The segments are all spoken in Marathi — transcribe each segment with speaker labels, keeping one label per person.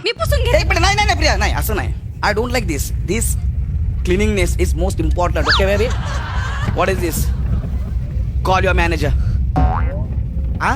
Speaker 1: मी पुसून घेते.
Speaker 2: पण नाही नाही नाही प्रिया, नाही असं नाही. I don't like this. This cleaningness is most important. Okay baby, what is this? Call your manager. हा,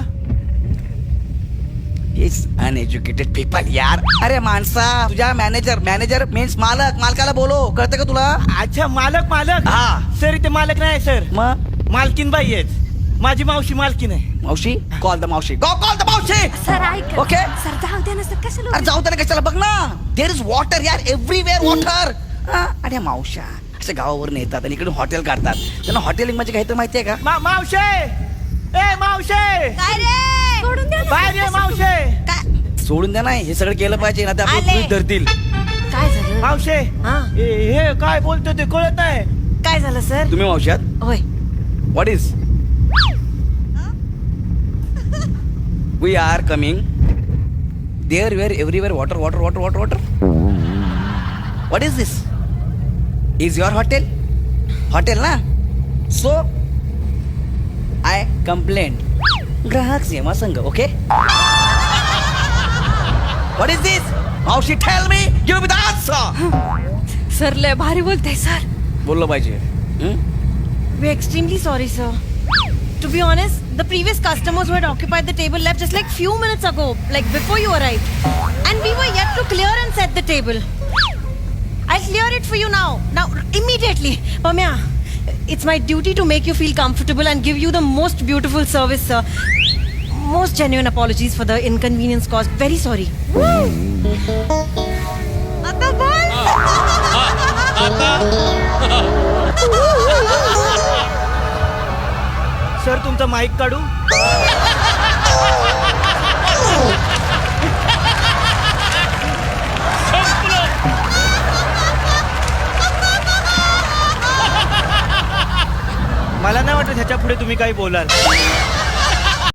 Speaker 2: इज अनएज्युकेटेड पीपल यार. अरे माणसा, तुझ्या मॅनेजर मीन्स मालकाला बोलो, कळतं का तुला?
Speaker 3: अच्छा, मालक.
Speaker 2: हा.
Speaker 3: सर इथे मालक नाही सर,
Speaker 2: मग
Speaker 3: मालकीन बाई आहेत. माझी मावशी मालकीन आहे.
Speaker 2: मावशी, कॉल द मावशी. गो कॉल द मावशी.
Speaker 1: सर ऐक.
Speaker 2: Okay.
Speaker 1: सर जाऊ द्या ना सर, कशाला
Speaker 2: अरे जाऊ त्याला कशाला, बघ ना, देर इज वॉटर यार, एव्हरीवेअर वॉटर. अरे मावशा अशा गावावरून येतात आणि इकडे हॉटेल काढतात. त्यांना हॉटेलिंग म्हणजे काय तर माहितीये का?
Speaker 3: मावशे, ए मावशे,
Speaker 1: काय रे? सोडून द्या ना.
Speaker 3: बाहेर ये मावशे.
Speaker 1: काय
Speaker 2: सोडून द्या, नाही हे सगळं केलं पाहिजे ना, ते
Speaker 1: आले.
Speaker 2: आपलं धरतील.
Speaker 1: काय झालं?
Speaker 3: मावशे,
Speaker 1: हा.
Speaker 3: हे काय बोलतो ते कळत नाही.
Speaker 1: काय झालं सर?
Speaker 2: तुम्ही मावशी आहात?
Speaker 1: होय.
Speaker 2: What is? We are coming. There where everywhere water water water water water. What is this? Is your hotel ना? So I complaint. ग्राहक सेवा संघ. Okay, what is this? मावशी tell me, give me the answer.
Speaker 1: Sir लय भारी बोलताय सर.
Speaker 2: बोललं पाहिजे.
Speaker 4: We're extremely sorry, sir. To be honest, the previous customers who had occupied the table left just like few minutes ago, like before you arrived. And we were yet to clear and set the table. I'll clear it for you now. Now, immediately. Pamya, it's my duty to make you feel comfortable and give you the most beautiful service, sir. Most genuine apologies for the inconvenience caused. Very sorry.
Speaker 1: आता बोल.
Speaker 3: सर तुमचा माईक काढू. मला नाही वाटत ह्याच्या पुढे तुम्ही काही बोलाल.